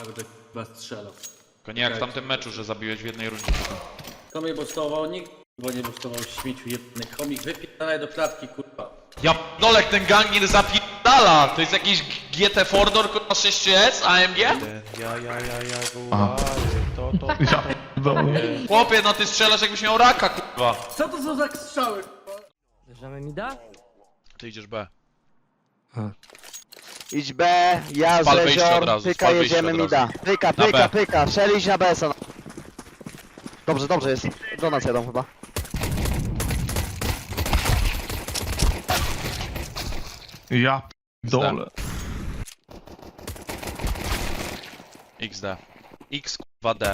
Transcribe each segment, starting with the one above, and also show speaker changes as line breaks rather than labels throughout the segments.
będę chyba strzelał.
Tylko nie jak w tamtym meczu, że zabiłeś w jednej rundzie.
Kto mnie bostował? Nikt bo nie bostował śmieciu jedny chomik. Wypierdalaj do klatki, kurwa.
Ja dolek ten gangir zapierdala! To jest jakiś GT Fordor kurwa 6S AMG?
Ja
Chłopie, no ty strzelasz jakbyś miał raka kurwa.
Co to są za strzały, kurwa?
Bierzemy mida?
Ty idziesz B.
Idź B, ja
Spal
z
wyjście od
Jezior,
razu,
pyka
spal wyjście
jedziemy
od
mida.
razu.
Pyka,
Na
pyka,
B.
pyka, szelić na B są. Dobrze, dobrze jest. Do nas jadą chyba.
Ja dole.
XD. X kurwa D.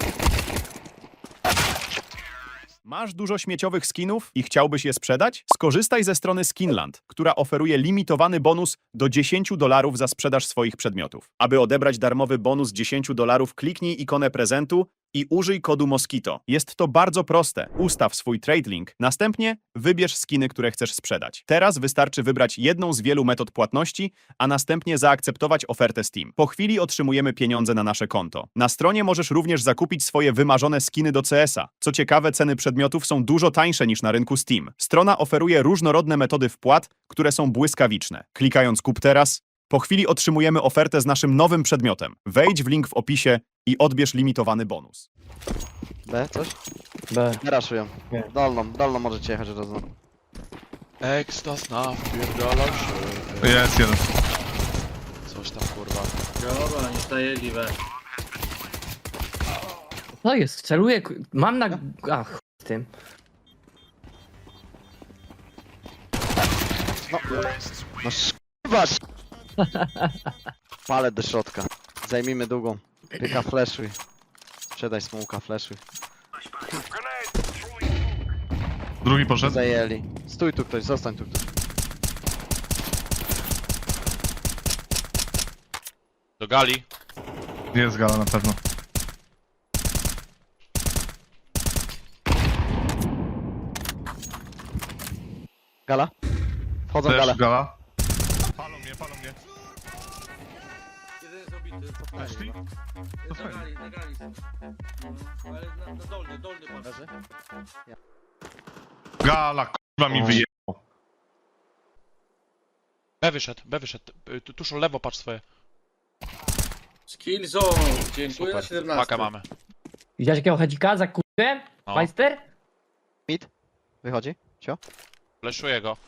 Masz dużo śmieciowych skinów i chciałbyś je sprzedać? Skorzystaj ze strony Skinland, która oferuje limitowany bonus do $10 za sprzedaż swoich przedmiotów. Aby odebrać darmowy bonus $10, kliknij ikonę prezentu i użyj kodu Mosquito. Jest to bardzo proste. Ustaw swój trade link, następnie wybierz skiny, które chcesz sprzedać. Teraz wystarczy wybrać jedną z wielu metod płatności, a następnie zaakceptować ofertę Steam. Po chwili otrzymujemy pieniądze na nasze konto. Na stronie możesz również zakupić swoje wymarzone skiny do CS-a. Co ciekawe, ceny przedmiotów są dużo tańsze niż na rynku Steam. Strona oferuje różnorodne metody wpłat, które są błyskawiczne. Klikając kup teraz, po chwili otrzymujemy ofertę z naszym nowym przedmiotem. Wejdź w link w opisie i odbierz limitowany bonus.
B, coś?
B.
Nie raszują.
Nie.
Dolną możecie jechać od razu.
Ekstas napierdala się.
Jest jeden.
Coś tam kurwa.
Dobra, nie stajeli we.
Co jest? Celuję. Mam na. Ach, chuj z tym.
No kurwa. Palet do środka. Zajmijmy długą. Pyka, flashuj. Sprzedaj smoka, flashuj.
Drugi poszedł.
Zajęli. Stój tu ktoś, zostań tu ktoś.
Do gali.
Jest gala na pewno.
Gala? Wchodzą gala.
Też gala. Palą mnie, palą mnie.
Jeden jest obity, to fajnie.
Weszli?
Na gali są. Ale na dolny patrz.
Gala, kurwa mi wyjechał.
B wyszedł. Tuż o lewo patrz swoje.
Skill zone, dziękuję za
Super.
17.
Pakę mamy.
Widziałeś jakiego hedzika? Zakurzyłem?
No.
Majster?
Mid? Wychodzi? Cio?
Fleszuję go.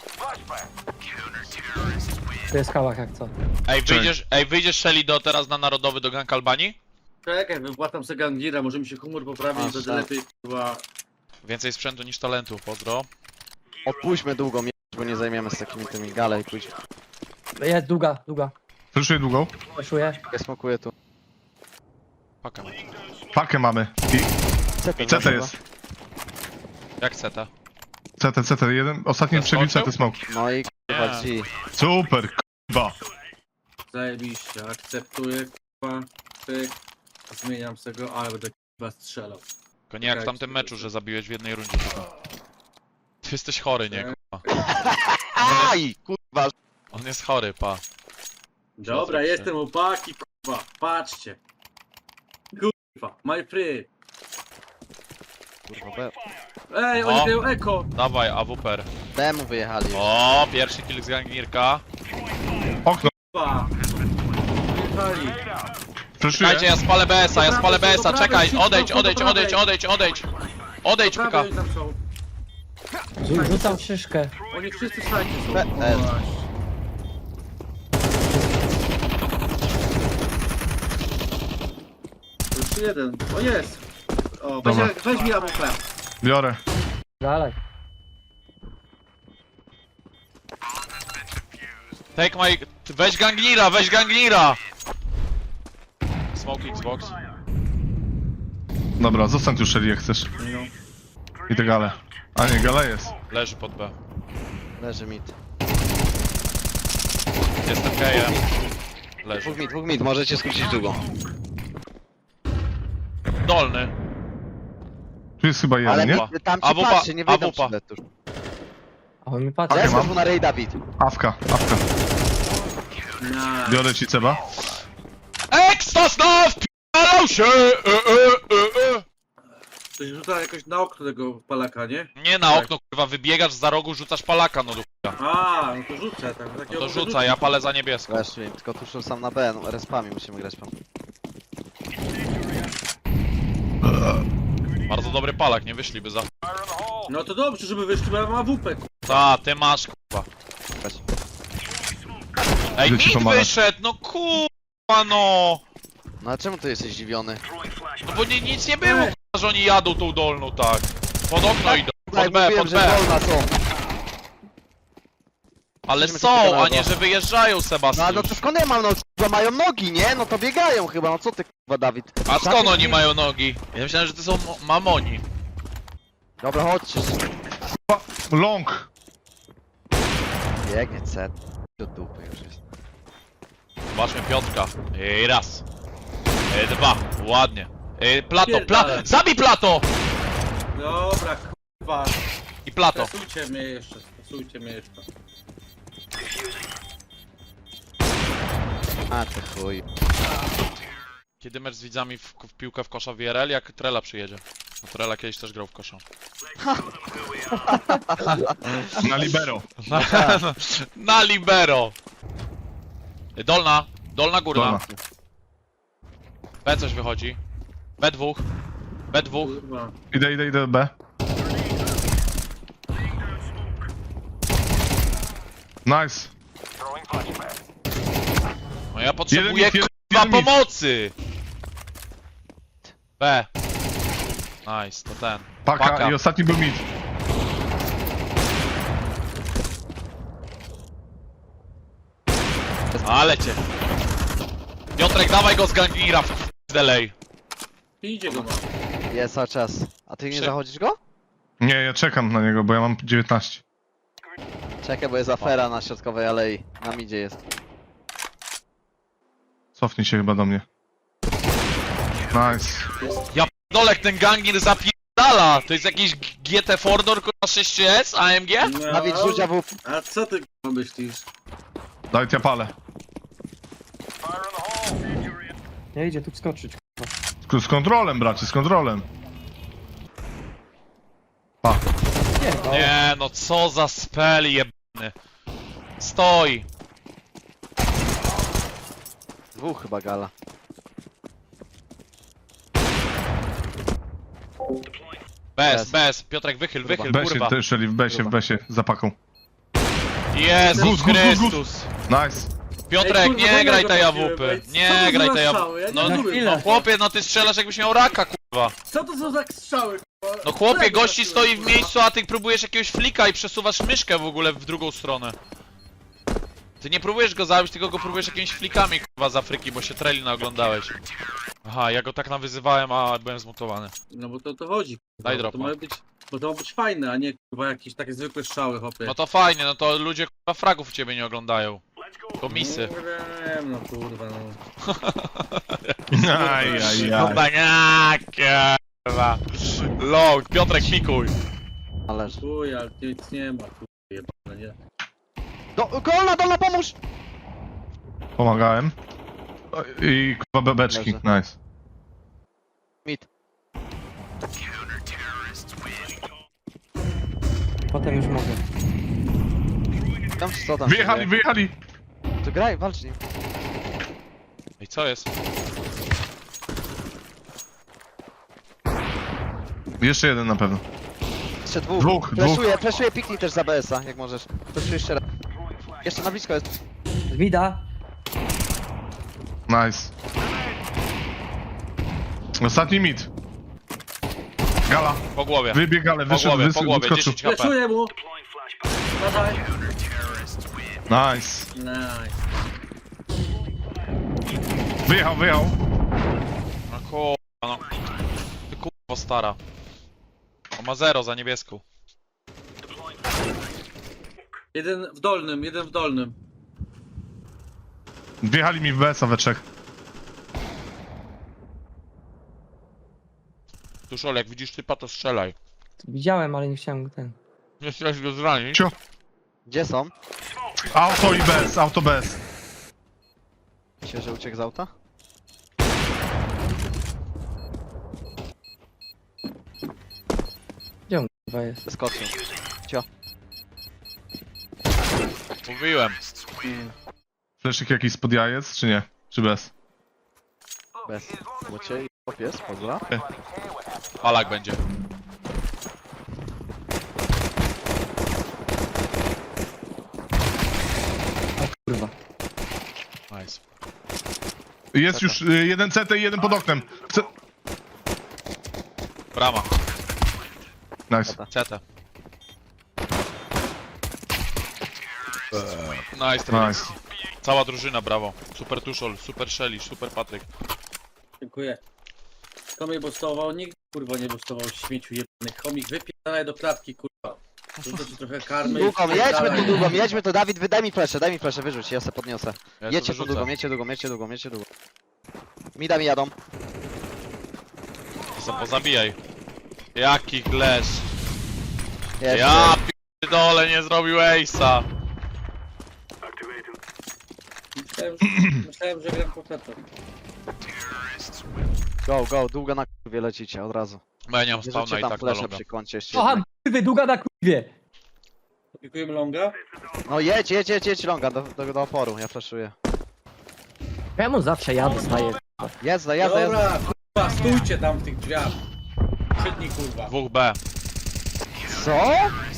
To jest kałach jak co.
Wyjdziesz Shelly teraz na narodowy do Gank Albanii?
Czekaj, wypłatam sobie gangira, może mi się humor poprawi i
Masz,
będę
tak.
lepiej, kurwa.
Więcej sprzętu niż talentu, pozdro.
Odpuśćmy długą, bo nie zajmiemy z takimi tymi gale i pójdźmy.
Jest długa.
Fleszuję długą.
Poszuję.
Ja smokuję tu.
Pakę mamy.
Pakę mamy. I CT
chyba.
jest.
Jak CT?
CT, jeden. Ostatni przebił
Zaskoczył?
CT smoke.
No i kurwa ci.
Super, kurwa.
Zajebiście, akceptuję, kurwa. Pyk. Zmieniam z tego, ale będę kurwa strzelał.
Tylko nie jak w tamtym meczu, że zabiłeś w jednej rundzie. Ty jesteś chory, nie kurwa.
Aj! Kurwa.
On jest chory, pa.
Dobra, jestem opaki, kurwa, patrzcie. Kurwa, my free.
Kurwa, B.
Ej,
Oho.
oni mają eko.
Dawaj, AWP.
B mu wyjechali.
O, pierwszy kill z Gangnirka.
Okno.
Kurwa. Jechali.
Fleszuję.
Czekajcie, ja spalę BS-a, czekaj, odejdź, pyka.
Prawie tam są.
Rzucam szyszkę.
Oni wszyscy sajcie są.
B,
O,
S.
właśnie. To jeszcze jeden. O, jest. O,
Dobra.
weź mi AWP.
Biorę.
Dalej.
Take my... Weź Gangnira! Smoke Xbox.
Dobra, zostań tu Shelly jak chcesz. I te gale. A nie, gala jest.
Leży pod B.
Leży mid.
Jestem gejem. Leży.
Dwóch mid, możecie skrócić długą.
Dolny.
Tu jest chyba
Ale
jeden, nie?
mid, tam ci
AWP,
patrzy, nie wyjdą
AWP.
przed tuż.
A on mi patrzy.
Okej,
Zeskocz
mam.
mu na Ray David.
Awka.
Nice.
Biorę ci ceba.
Ekstas jasna, wpierał się!
Ktoś rzuca jakoś na okno tego palaka, nie?
Nie na okno, kurwa, wybiegasz za rogu, rzucasz palaka, no do chuja.
A, no to rzucę, tak.
No
Takiego
to
mogę
rzuca, ja palę za niebiesko.
Flashuje, tylko tuż sam na B, no, respami musimy grać pan.
Bardzo dobry palak, nie wyszliby za...
No to dobrze, żeby wyszli, bo ja mam AWP.
Ta, ty masz, kurwa.
Weź.
Ej,
Idę ci
mit
pomagać.
wyszedł, no kurwa, no!
No a czemu ty jesteś zdziwiony?
No bo nic nie było, kurwa, że oni jadą tą dolną, tak. Pod okno idą,
Tak,
pod B,
mówiłem,
pod
że
B.
wolna są.
Ale
Musimy się
są,
tego
a nie,
lewo.
że wyjeżdżają,
No,
Sebastian.
no to skąd ja mam, no kurwa, mają nogi, nie? No to biegają chyba, no co ty kurwa, Dawid?
A skąd oni mają nogi? Ja myślałem, że to są mamoni.
Dobra, chodźcie.
Long!
Biegnie C. Do dupy już jest.
Zobaczmy Piotrka. I raz. I dwa. Ładnie. Plato,
Pierdalaj.
zabij Plato!
Dobra, kurwa.
I Plato.
Stresujcie mnie jeszcze.
A ty chuj.
Kiedy mecz z widzami w piłkę w kosza w IRL? Jak Trela przyjedzie. Bo Trela kiedyś też grał w kosza.
Na libero.
Na libero! Dolna. Dolna górna.
Dolna.
B coś wychodzi. B2. B2.
Kurwa.
Idę B. Nice.
No ja potrzebuję
Jeden
kurwa
mit.
pomocy! B. Nice, to ten.
Paka i ostatni był mid.
Ale cię. Piotrek, dawaj go z gangira w delay.
Idzie go ma.
Jest cały czas. A ty nie
Przy-
zachodzisz go?
Nie, ja czekam na niego, bo ja mam 19.
Czekaj, bo jest afera na środkowej alei. Na midzie jest.
Cofnij się chyba do mnie. Nice.
Ja dolek ten gangir zapierdala! To jest jakiś GT Fordor kurwa 6S AMG?
No,
Dawid, rzuć AW.
a co ty kurwa myślisz?
Daj, ja palę.
Nie idzie tu wskoczyć.
Z kontrolem, bracie, z kontrolem. Pa.
Nie,
Nie no co za spell jebany. Stoi.
Dwóch chyba gala.
Bez. Piotrek wychyl,
Besie,
kurwa.
też szeli w besie, za paką.
Jezus
Guz, guz, guz, guz.
Chrystus.
Nice.
Piotrek,
Ej, kurwa,
nie
ja
graj
go
tej
trafiłem,
awupy.
ej. Co
Nie
to
graj
za
tej
strzały? Ja
awupy.
nie
No,
rozumiem.
no chłopie, no ty strzelasz jakbyś miał raka, kurwa.
Co to są za strzały, kurwa?
No chłopie,
Co ja
gości
trafiłem,
stoi w
kurwa?
miejscu, a ty próbujesz jakiegoś flika i przesuwasz myszkę w ogóle w drugą stronę. Ty nie próbujesz go zabić, tylko go próbujesz jakimiś flikami, kurwa, z Afryki, bo się treli naoglądałeś. Aha, ja go tak nawyzywałem, a byłem zmutowany.
No bo to o to chodzi. Kurwa.
Daj
Bo
dropa.
to ma być, bo to ma być fajne, a nie kurwa jakieś takie zwykłe strzały, hopy.
No to fajnie, no to ludzie, kurwa, fragów u ciebie nie oglądają. To misy.
No wiem, no kurwa, no.
Ajajaj.
Baniakie, kurwa. Long, Piotrek, pikuj.
Należy.
Chuj, ale nic nie ma, kurwa, jebane, nie.
Dolna, pomóż!
Pomagałem. I kurwa bebeczki,
Leży.
nice.
Mid.
potem już mogę.
Tam czy co tam?
Wyjechali.
To graj, walcz z nim.
Ej, co jest?
Jeszcze jeden na pewno.
Jeszcze dwóch.
Dwóch.
Fleszuję, piknij też za BS-a, jak możesz. Fleszuję jeszcze raz. Jeszcze na blisko jest.
Mida.
Nice. Ostatni mid. Gala.
Po głowie.
Wybieg gale,
Po
wyszedł,
głowie, po głowie,
wyskoczył.
10 HP.
Fleszuję mu! Dawaj!
Nice.
Nice.
Wyjechał.
No kurwa, no. Ty kurwa stara. On ma 0 za niebieską.
Jeden w dolnym.
Wjechali mi w BS-a we trzech.
Tuszol, jak widzisz typa, to strzelaj.
Widziałem, ale nie chciałem go ten.
Nie chciałeś go zranić?
Cio.
Gdzie są?
Auto i BS, auto BS.
Myślę, że uciekł z auta?
Chyba jest.
Wyskoczył.
Mówiłem.
Fleszyk jakiś spod jajec, czy nie? Czy bez?
Bez. Bo cię i jest, pozdra.
Palak będzie.
Kurwa.
Nice.
Jest już jeden CT i jeden pod oknem.
Brama.
Nice.
CT. Nice, Travis.
Nice.
Cała drużyna, brawo. Super Tuszol, super Shelly, super Patryk.
Dziękuję. Kto mnie bustował? Nikt kurwa nie bustował śmieciu jebanych. Chomik, wypierdalaj do klatki kurwa. Rzucę ci trochę karmy i
Długą,
wpierdalaj.
jedźmy tu długą, jedźmy tu, Dawid, daj mi fleszę, wyrzuć, ja se podniosę.
Ja
Jedźcie tu długą, jedźcie długą. Mida mi jadą.
Pozabijaj. Jaki glesz.
Jeszcze.
Ja pierdolę, nie zrobił Ace'a.
Myślałem, że gram kotletą.
Go, długo na kurwie lecicie od razu.
Ja nie mam
Bierzecie
spawna i
tam
tak na
flesze
longa.
przy kącie jeszcze.
Kocham, kurwy, długa na kurwie.
Pikujemy longa?
No jedź longa do oporu, ja flashuję.
Czemu zawsze ja dostaję?
Jazda.
Dobra, kurwa, stójcie tam w tych drzwiach. Szydni kurwa.
2B.
Co?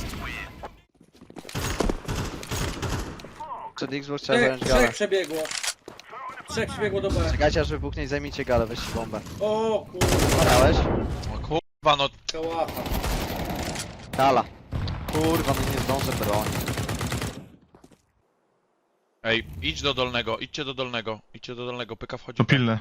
Przed Xbox trzeba zająć galę.
Trzech przebiegło. Trzech przebiegło do B.
Czekajcie aż wybuchnie i zajmijcie galę, weźcie bombę.
O kurwa,
Dałeś?
O kurwa, no
kałacha.
Gala. Kurwa, no nie zdążę bronić.
ej, idźcie do dolnego, pyka wchodzi.
To pilne.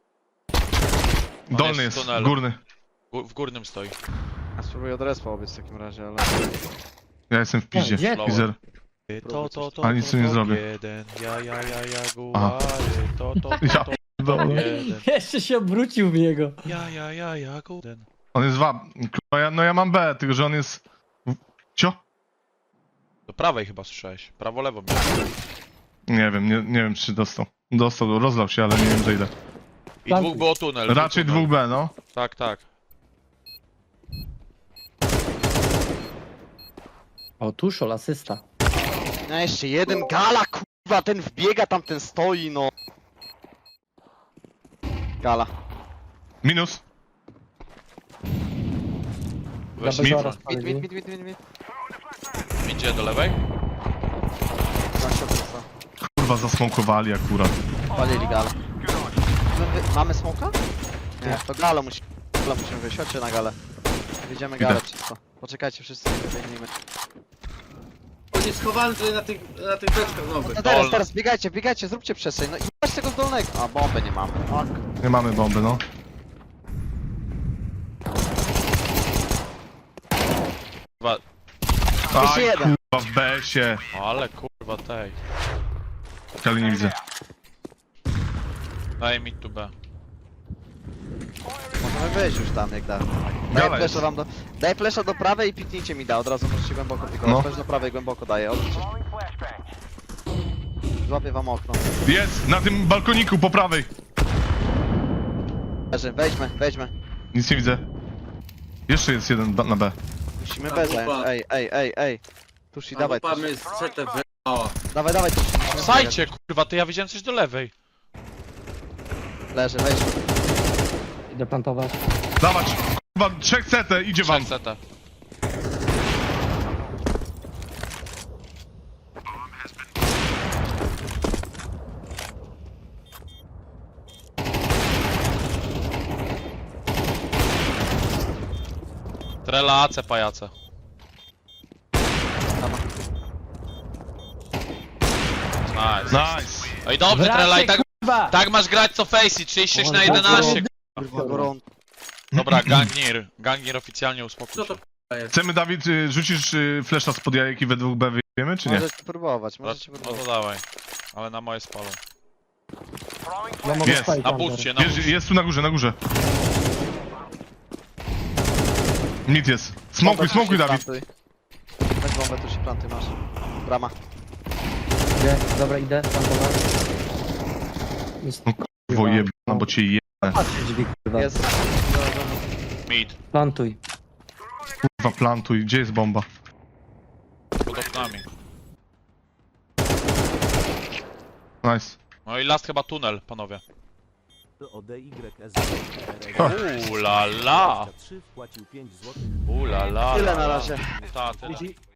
On
Dolny
jest w
jest,
tunelu.
górny.
W górnym stoi.
Ja spróbuję od respa obiec w takim razie, ale...
Ja jestem w piździe.
Gdzie?
Fizer.
To,
A nic tu nie zrobię.
jeden, ja,
Aha.
guary, to,
Ja pierdolę.
jeden,
Jeszcze się obrócił w niego.
ja, jeden.
On jest kurwa, ja mam B, tylko że on jest... Cio?
Do prawej chyba słyszałeś, prawo, lewo.
Nie wiem, nie wiem czy dostał. Dostał, rozlał się, ale nie wiem, że ile.
I dwóch było tunel.
Raczej
tunel.
2B, no.
Tak.
O, Tuszol, asysta.
No jeszcze jeden, gala kurwa, ten wbiega, tamten stoi, no. Gala.
Minus.
Weź
Mid.
zaraz
Mid.
Idzie do lewej?
Kurwa, zasmokowali akurat.
Palili galę. Mamy smoka? Nie, to galę musimy wyjść, chodźcie na galę. Wyjdziemy galę wszystko. Poczekajcie wszyscy, biegnijmy.
On jest schowany tutaj na tych beczkach nowych.
No
Dolna.
teraz biegajcie, zróbcie przestrzeń, no i weź tego z dolnego. A, bomby nie mamy. Ok.
Nie mamy bomby, no.
Kurwa,
Jeszcze
Aj,
jeden.
kurwa, w B-sie.
ale kurwa tej.
Ale nie widzę.
Daj mi tu B.
Możemy wyjść już tam, jak da.
Gala jest.
Daj flesza do prawej i piknijcie mi da, od razu możecie głęboko pikować.
No.
Flesz do prawej głęboko daje, odwróćcie. Złapię wam okno.
Jest, na tym balkoniku po prawej.
Leży, wejdźmy.
Nic nie widzę. Jeszcze jest jeden na B.
Musimy
Ta
bez
wupa.
zająć. Ej. Tushi,
A
dawaj.
mamy strzetę wyjechała.
Dawaj, Tushi.
Sajcie kurwa, ty ja widziałem coś do lewej.
Leży, wejdźmy.
Idę plantować.
Dawać, kurwa, 3 CT, idzie wam.
3 CT. Trela AC pajace. Nice.
Nice.
No i dobrze Trela i tak,
kurwa!
tak masz grać co Facey, 36 na 11.
Kurwa, gorąco.
Dobra, Gangnir oficjalnie uspokój
Co
się.
to k***a jest?
Chcemy, Dawid, rzucisz flesza spod jajek i we dwóch B wyjdziemy, czy nie?
Możecie próbować.
No to dawaj. Ale na moje spalą.
Ja mogę
Jest.
spalić
Na
under.
buście, na
Jest,
buście.
jest tu na górze. Nic jest. Smokuj, Dawid.
Weź bombę, tu się planty masz. Brama.
Idę, dobra, idę, plantować. Jest,
No kurwo jebana, bo cię je...
patrzcie drzwi, kurwa.
Jest.
Mid.
Plantuj.
Kurwa, plantuj. Gdzie jest bomba?
Pod oknami.
Nice.
No i last chyba tunel, panowie.
O.
La la.
wpłacił 5 zł.
La la.
Tyle na razie.
Ta, tyle.